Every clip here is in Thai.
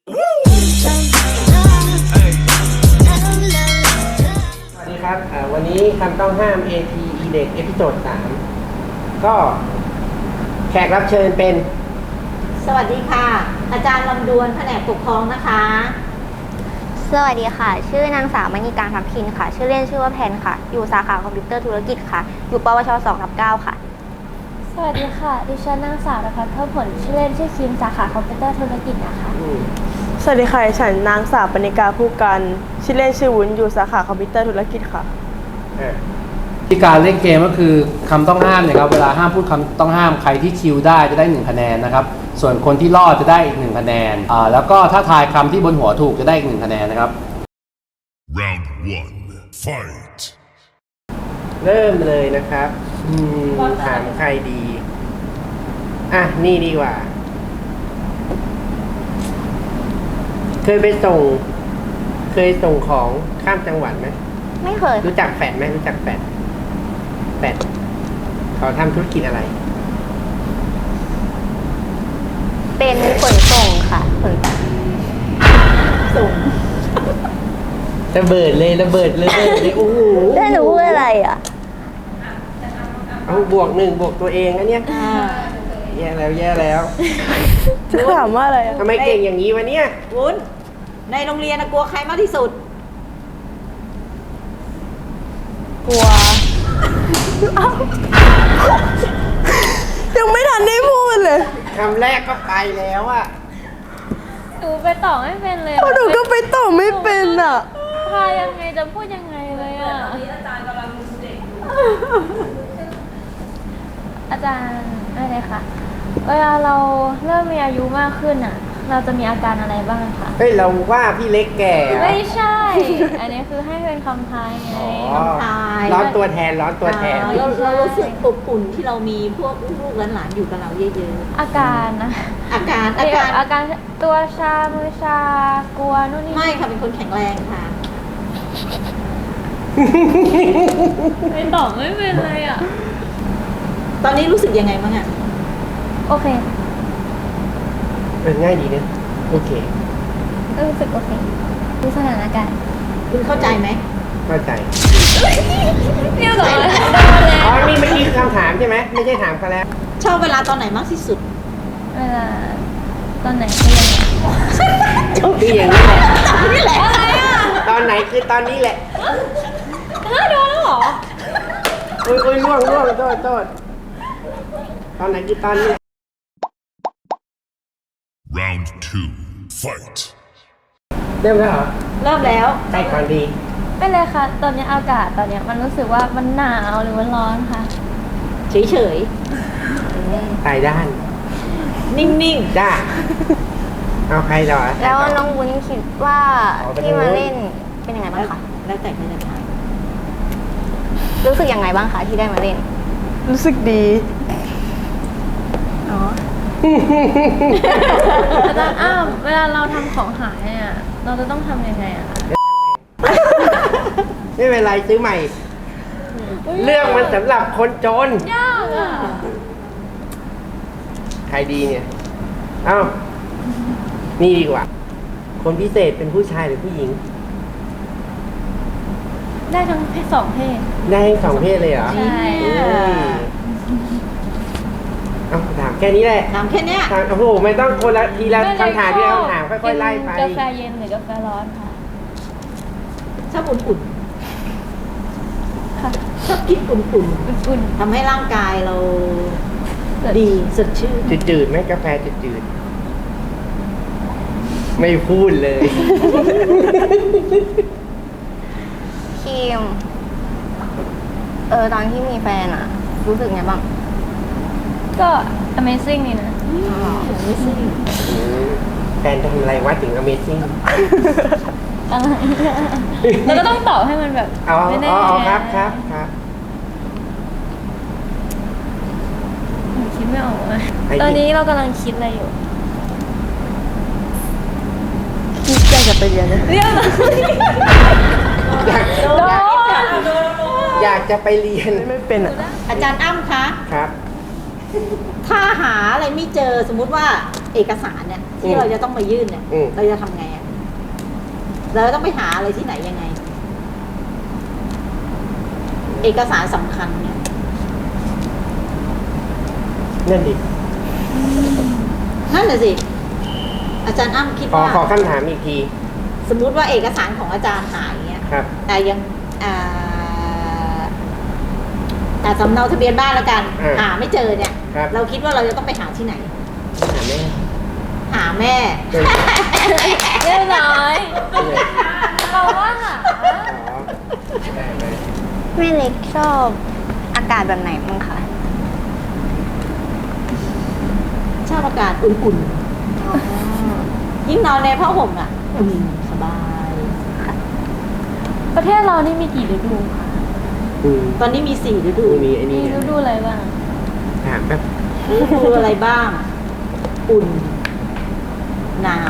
สวัสดีครับวันนี้คำต้องห้าม AT E-Deck เอพิโซด 3ก็แขกรับเชิญเป็นสวัสดีค่ะอาจารย์ลำดวนแผนกปกครองนะคะสวัสดีค่ะชื่อนางสาวมณีการทัพทินค่ะชื่อเล่นชื่อว่าแพนค่ะอยู่สาขาคอมพิวเตอร์ธุรกิจค่ะอยู่ปวช 2/9 ค่ะสวัสดีค่ะดิฉันนางสาวณภัทร เพิ่มผลชื่อเล่นชื่อคิมสาขาคอมพิวเตอร์ธุรกิจนะคะสวัสดีค่ะฉันนางสาวปณิกาผู้กันชื่อเล่นชื่อวุ้นอยู่สาขาคอมพิวเตอร์ธุรกิจค่ะที่การเล่นเกมก็คือคำต้องห้ามเนี่ยครับเวลาห้ามพูดคำต้องห้ามใครที่คิวได้จะได้1คะแนนนะครับส่วนคนที่รอดจะได้อีก1คะแนนแล้วก็ถ้าทายคำที่บนหัวถูกจะได้อีก1คะแนนนะครับ Round 1 Fight เริ่มเลยนะครับถามใครดีนี่ดีกว่าเคยส่งของข้ามจังหวัดไหมไม่เคยรู้จักแฟดไหมรู้จักแฟดเขาทำธุรกิจอะไรเป็นขนส่งค่ะขนส่งระเบิดเลยโอ้โหได้หนูพูดอะไรอ่ะเอาบวกตัวเองอันเนี้ยแย่แล้วจะถามว่าอะไรอ่ะทำไมเก่งอย่างนี้วะเนี่ยวุ้นในโรงเรียนกลัวใครมากที่สุดกลัวยังไม่ทันได้พูดเลยคำแรกก็ไปแล้วอะหนูไปต่อไม่เป็นเลยหนูก็ไปต่อไม่เป็นอ่ะพายังไงจะพูดยังไงเลยอ่ะอาจารย์กำลังเด็กอาจารย์อะไรคะเวลาเราเริ่มมีอายุมากขึ้นอ่ะเราจะมีอาการอะไรบ้างคะเฮ้ยเราว่าพี่เล็กแก่ไม่ใช่อันนี้คือให้เป็นคำทายไงคำทายร้อนตัวแทนเรารู้สึกอบอุ่นที่เรามีพวกลูกหลานอยู่กับเราเยอะๆอาการนะอาการตัวชามือชากลัวนู่นนี่ไม่ค่ะเป็นคนแข็งแรงค่ะไม่ตอบไม่เป็นเลยอ่ะตอนนี้รู้สึกยังไงบ้างอ่ะโอเคง่ายดีนะโอเครู้สึกโอเคดูสถานการณ์คุณเข้าใจไหมเข้าใจเรียบร้อยนี่เมื่อกี้คือคำถามใช่ไหมไม่ใช่ถามเขาแล้วชอบเวลาตอนไหนมากที่สุดเวลาตอนไหนคืออย่างนี้แหละนี่แหละอะไรอ่ะตอนไหนคือตอนนี้แหละโดนแล้วเหรออุ้ยล่วงโทษตอนไหนคือตอนนี้ Round 2 Fight เริ่มแล้วเหรอเริ่มแล้วใจก่อนดีไม่เลยค่ะตอนนี้อากาศตอนนี้มันรู้สึกว่ามันหนาวหรือมันร้อนคะเฉยตายด้านนิ่งๆจ้าเอาใครต่อแล้วน้องวุ้นคิดว่าที่มาเล่นเป็นยังไงบ้างคะแล้วแต่ไม่ได้ทายรู้สึกยังไงบ้างคะที่ได้มาเล่นรู้สึกดีอาจารย์เวลาเราทำของหายเนี่ยเราจะต้องทำยังไงอะคะไม่เป็นไรซื้อใหม่เรื่องมันสำหรับคนจนยากอะใครดีเนี่ยนี่ดีกว่าคนพิเศษเป็นผู้ชายหรือผู้หญิงได้ทั้งเพศสองเพศได้ทั้งสองเพศเลยเหรอใช่ถามแค่นี้แหละถามแค่นี้โอ้โหไม่ต้องคนละทีละคำถามที่เราถามค่อยๆไล่ไปกาแฟเย็นหรือกาแฟร้อนค่ะชอบอุ่นๆค่ะชอบกินอุ่นๆทำให้ร่างกายเราดีสดชื่นจืดไหมกาแฟจืดไม่พูดเลยคิมตอนที่มีแฟนอะรู้สึกไงบ้างก็ Amazing นี่นะ Amazing แฟนทำอะไรวะถึง Amazing อะไรเราก็ต้องตอบให้มันแบบไม่แน่ครับคิดไม่ออกเลยตอนนี้เรากำลังคิดอะไรอยู่คิดจะไปเรียนเลยอยากจะไปเรียนไม่เป็นอ่ะอาจารย์อ้ำคะครับถ้าหาอะไรไม่เจอสมมุติว่าเอกสารเนี่ยที่เราจะต้องมายื่นเนี่ยอืมเราจะทำไงอ่ะเราต้องไปหาอะไรที่ไหนยังไง เอกสารสำคัญเนี่ยนั่นดินั่นแหละสิ อาจารย์อ้ำคิดขอว่าขอคำถามอีกทีสมมุติว่าเอกสารของอาจารย์หายเงี้ยครับแต่ยังแต่สำเนาทะเบียนบ้านแล้วกัน หาไม่เจอเนี่ยครับเราคิดว่าเราจะต้องไปหาที่ไหนถามแม่หาแม่เป็นเรียบร้อยเป็นไงเราว่าหาอ๋อได้ไหมแม่เล็กชอบอากาศแบบไหนบ้างคะชอบอากาศอุ่นๆ ยิ่งนอนในผ้าห่มอ่ะสบายประเทศเรานี่มีกี่ฤดูคะตอนนี้มี4 ฤดูมีไอ้มีนี่ฤดูอะไรบ้างถามแป๊บฤดูอะไรบ้าง อุ่น หนาว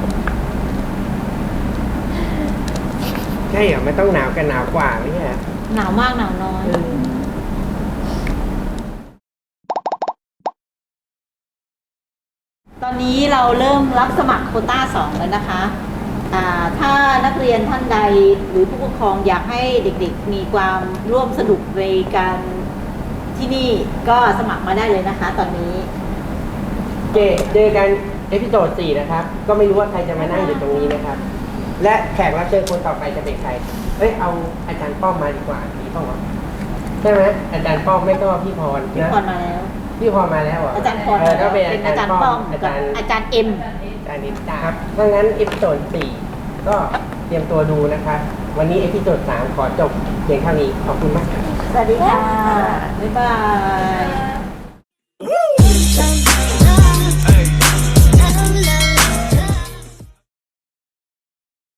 ใช่เหรอไม่ต้องหนาวกันหนาวกว่าไม่ใช่เหรอหนาวมากหนาวน้อย ตอนนี้เราเริ่มรับสมัครโควต้า 2 แล้วนะคะ ถ้านักเรียนท่านใดหรือผู้ปกครองอยากให้เด็กๆมีความร่วมสนุกในการที่นี่ก็สมัครมาได้เลยนะคะ ตอนนี้เจอกันเอพิโซด4นะครับ ก็ไม่รู้ว่าใครจะมานั่งอยู่ตรงนี้นะครับ และแขกรับเชิญคนต่อไปจะเป็นใคร เฮ้ย เอาอาจารย์ป้อมมาดีกว่าดีป้อมวะใช่ไหมอาจารย์ป้อมไม่ก็พี่พรพี่นะพรมาแล้วพี่พรมาแล้วเหรออาจารย์พรก็เป็นเป็นอาอาจาจาร รย์ย์ป้ป้ออมมอากัจาบรย์อาจารย์เอ็มอาจารย์นิตาครับถ้างั้นเอพิโซด4ก็เตรียมตัวดูนะครับ วันนี้เอพิโซด3ขอจบเพียงเท่านี้ ขอบคุณมากครับสวัสดีค่ะ บ๊ายบาย